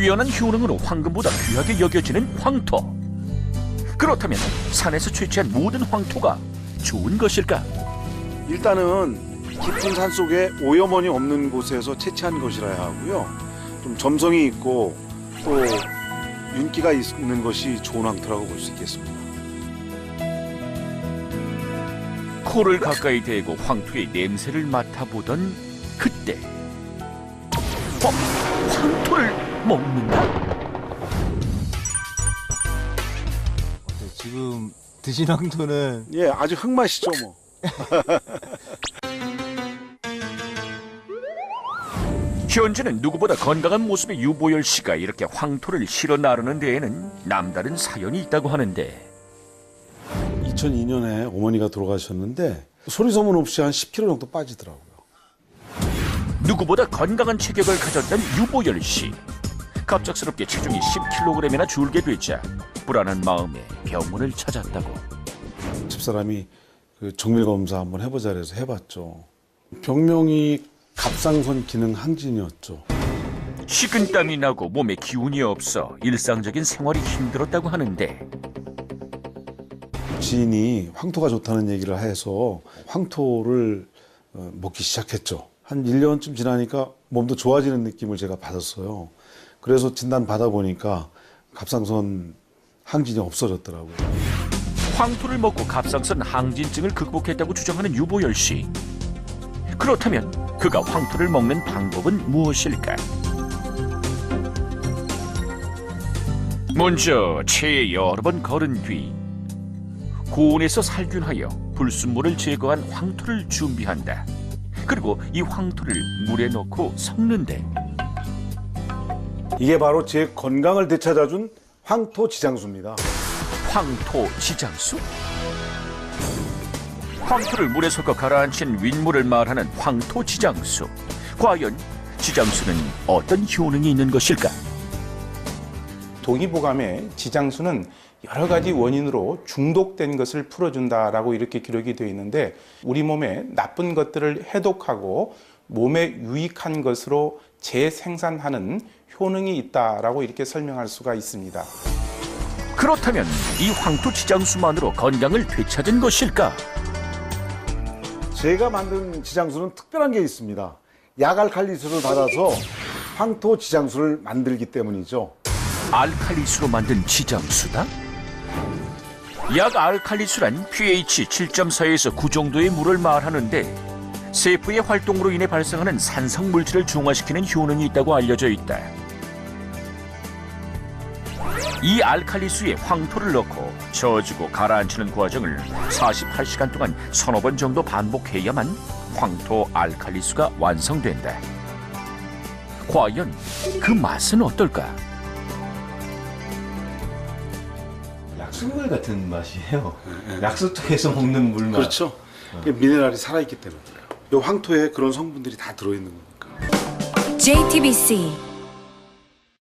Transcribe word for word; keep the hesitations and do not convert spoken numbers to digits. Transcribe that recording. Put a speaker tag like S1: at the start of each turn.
S1: 뛰어난 효능으로 황금보다 귀하게 여겨지는 황토. 그렇다면 산에서 채취한 모든 황토가 좋은 것일까?
S2: 일단은 깊은 산 속에 오염원이 없는 곳에서 채취한 것이라야 하고요. 좀 점성이 있고 또 윤기가 있는 것이 좋은 황토라고 볼 수 있겠습니다.
S1: 코를 가까이 대고 황토의 냄새를 맡아보던 그때 어? 황토를 먹는다?
S3: 지금 드신 황토는
S2: 예, 아주 흙맛이죠 뭐.
S1: 현재는 누구보다 건강한 모습의 유보열 씨가 이렇게 황토를 실어 나르는 데에는 남다른 사연이 있다고 하는데
S2: 이천이 년에 어머니가 돌아가셨는데 소리 소문 없이 한 십 킬로그램 정도 빠지더라고요.
S1: 누구보다 건강한 체격을 가졌던 유보열 씨. 갑작스럽게 체중이 십 킬로그램이나 줄게 되자 불안한 마음에 병원을 찾았다고.
S2: 집사람이 그 정밀 검사 한번 해보자 해서 해봤죠. 병명이 갑상선 기능 항진이었죠.
S1: 식은땀이 나고 몸에 기운이 없어 일상적인 생활이 힘들었다고 하는데
S2: 지인이 황토가 좋다는 얘기를 해서 황토를 먹기 시작했죠. 한 일 년쯤 지나니까 몸도 좋아지는 느낌을 제가 받았어요. 그래서 진단 받아보니까 갑상선 항진이 없어졌더라고요.
S1: 황토를 먹고 갑상선 항진증을 극복했다고 주장하는 유보열 씨. 그렇다면 그가 황토를 먹는 방법은 무엇일까? 먼저 체에 여러 번 걸은 뒤 고온에서 살균하여 불순물을 제거한 황토를 준비한다. 그리고 이 황토를 물에 넣고 섞는데
S2: 이게 바로 제 건강을 되찾아준 황토 지장수입니다.
S1: 황토 지장수? 황토를 물에 섞어 가라앉힌 윗물을 말하는 황토 지장수. 과연 지장수는 어떤 효능이 있는 것일까?
S4: 동의보감에 지장수는 여러 가지 원인으로 중독된 것을 풀어준다라고 이렇게 기록이 되어 있는데 우리 몸에 나쁜 것들을 해독하고 몸에 유익한 것으로 재생산하는 효능이 있다라고 이렇게 설명할 수가 있습니다.
S1: 그렇다면 이 황토 지장수만으로 건강을 되찾은 것일까?
S2: 제가 만든 지장수는 특별한 게 있습니다. 약알칼리수를 받아서 황토 지장수를 만들기 때문이죠.
S1: 알칼리수로 만든 지장수다? 약 알칼리수란 pH 칠 점 사에서 구 정도의 물을 말하는데 세포의 활동으로 인해 발생하는 산성 물질을 중화시키는 효능이 있다고 알려져 있다. 이 알칼리수에 황토를 넣고 저어주고 가라앉히는 과정을 사십팔 시간 동안 서너 번 정도 반복해야만 황토 알칼리수가 완성된다. 과연 그 맛은 어떨까?
S3: 약수물 같은 맛이에요. 약수터에서 먹는 물맛.
S2: 그렇죠. 미네랄이 살아있기 때문에. 이 황토에 그런 성분들이 다 들어있는 거니까.
S5: 제이티비씨